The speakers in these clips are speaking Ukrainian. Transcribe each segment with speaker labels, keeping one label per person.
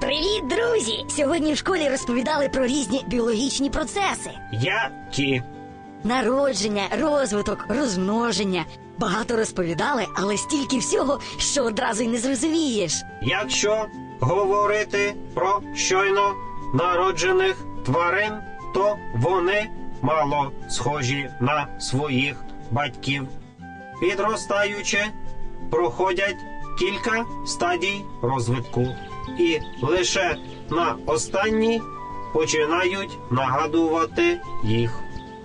Speaker 1: Привіт, друзі! Сьогодні в школі розповідали про різні біологічні процеси.
Speaker 2: Які?
Speaker 1: Народження, розвиток, розмноження. Багато розповідали, але стільки всього, що одразу й не зрозумієш.
Speaker 2: Якщо говорити про щойно народжених тварин, то вони мало схожі на своїх батьків. Підростаючи, проходять кілька стадій розвитку. І лише на останній починають нагадувати їх.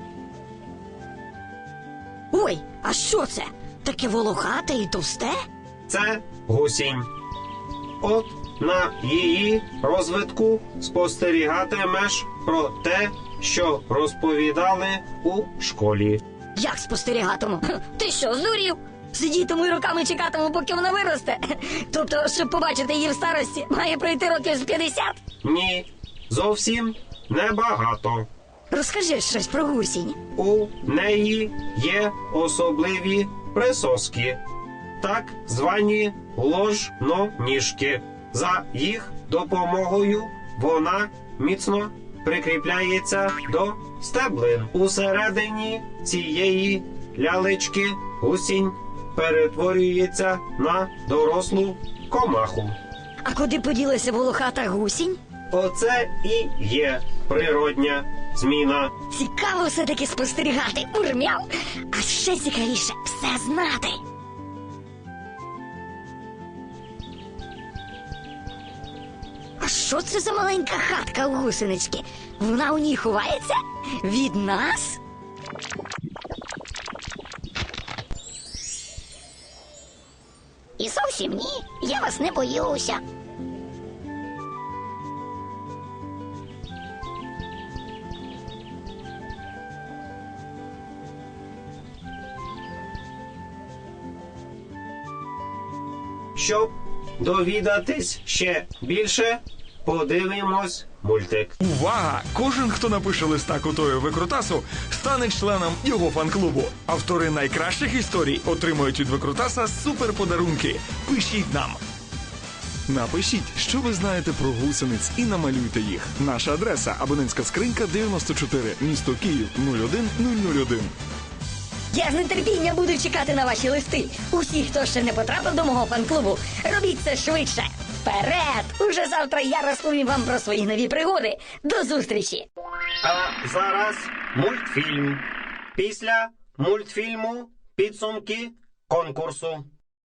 Speaker 1: Ой, а що це? Таке волохате і товсте?
Speaker 2: Це гусінь. От на її розвитку спостерігатимеш про те, що розповідали у школі.
Speaker 1: Як спостерігатиму? Ти що, здурів? Сидітиму і роками чекатиму, поки вона виросте. Тобто, щоб побачити її в старості, має пройти років з 50?
Speaker 2: Ні, зовсім небагато.
Speaker 1: Розкажи щось про гусінь.
Speaker 2: У неї є особливі присоски, так звані ложноніжки. За їх допомогою вона міцно прикріпляється до стеблин. Усередині цієї лялечки гусінь перетворюється на дорослу комаху.
Speaker 1: А куди поділася волохата гусінь?
Speaker 2: Оце і є природня зміна.
Speaker 1: Цікаво все-таки спостерігати, урмяв. А ще цікавіше все знати. А що це за маленька хатка у гусенички? Вона у ній ховається? Від нас? І зовсім ні, я вас не боюся.
Speaker 2: Щоб довідатись ще більше, подивимось мультик.
Speaker 3: Увага! Кожен, хто напише листа Котою Викрутасу, стане членом його фан-клубу. Автори найкращих історій отримують від Викрутаса суперподарунки. Пишіть нам! Напишіть, що ви знаєте про гусениць, і намалюйте їх. Наша адреса – абонентська скринька 94, місто Київ 01001.
Speaker 1: Я з нетерпінням буду чекати на ваші листи. Усі, хто ще не потрапив до мого фан-клубу, робіть це швидше. Вперед! Уже завтра я розповім вам про свої нові пригоди. До зустрічі!
Speaker 2: А зараз мультфільм. Після мультфільму підсумки конкурсу.